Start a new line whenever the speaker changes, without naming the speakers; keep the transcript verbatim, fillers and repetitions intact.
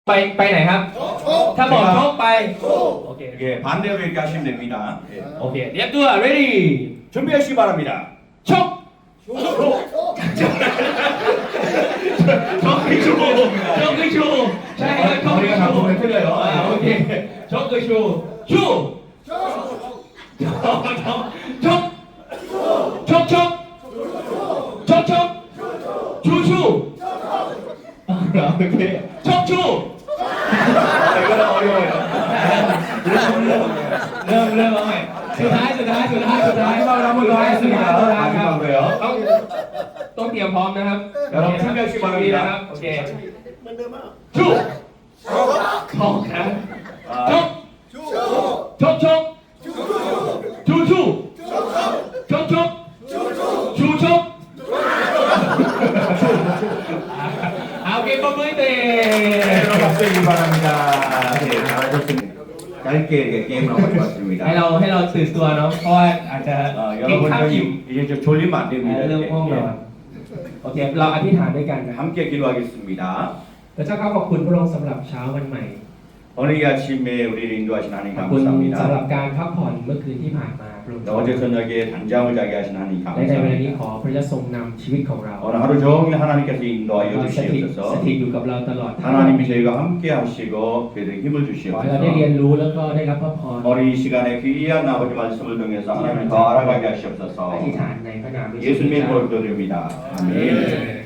ไปไปไหนครับถ้าบอกชกไปโอเค
예, 반대로 이렇게 하시면 됩니다. 예.
โอเคเรียบตัว ready
준비하시기 바랍니다.
ชกชกคือชูชกคือชูใช่ครับชกคือชูอ่าโอเคชกคือชูชูชกชกชกชกชกชกชกชูชูโอเคชกชู
이거는 어려워요.
เริ่มเริ่มเอาใหม่สุดท้ายสุดท้ายสุดท้ายสุดท้าย
마지막으로 한번 더
สุดท้ายสุด
하겠습니다.
ท้ายครับ
마지막으로요.
ต้องต้องเตรียมพร้อมนะครับ
여러분 준비하시기
ดี
바랍니다.
นะครับโอเคชูชกครับชก
아,
ชกชกชูชูชกชกชูชกเอาเกมประมือเตะ
여러분 박수해주시기 바랍니다. 예, 잘하셨습니다. 짧게 이렇게 게임을 하고
ให้
있습니다.
เราให้เราตื่นตัวเนาะเพราะว่าอาจจะ
어,
กินข้าวอิ่ม
여러분들 이제 좀 졸리면 안
เอ่อ
됩니다.
เรื่อง
이렇게.
ห้องนอน
예.
โอเคเราอธิษฐานด้วยกันนะ
함께 기도하겠습니다.
พระเจ้าขอบคุณพระองค์สำหรับเช้าวันใหม่
오늘 이 아침에 우리를 인도하신 하나님
ขอบคุณสำหรับ
감사합니다.
การพักผ่อนเมื่อคืนที่ผ่านมาพระองค์
어제 저녁에 단잠을 자게 하신 하나님
และในเวลานี้
감사합니다.
ขอพระเจ้าทรงนำชีวิตของเรา
오늘 하루 종일 하나님께서 인도하여
สถิตส
주시옵소서.
ถิตอยู่กับเราตลอดทั้งวัน
하나님이 저희가 함께 하시고 저희들에게 힘을
ขอให้เราได้เรียน
주시옵소서.
รู้แล้วก็ได้รับพระพร
우리 이 시간에 귀한 아버지 말씀을 통해서 하나님을 더 알아가게
อ
하시옵소서.
ธิษฐานในพระนามพระเยซู
예수님의 이름으로 기도드립니다. 아멘.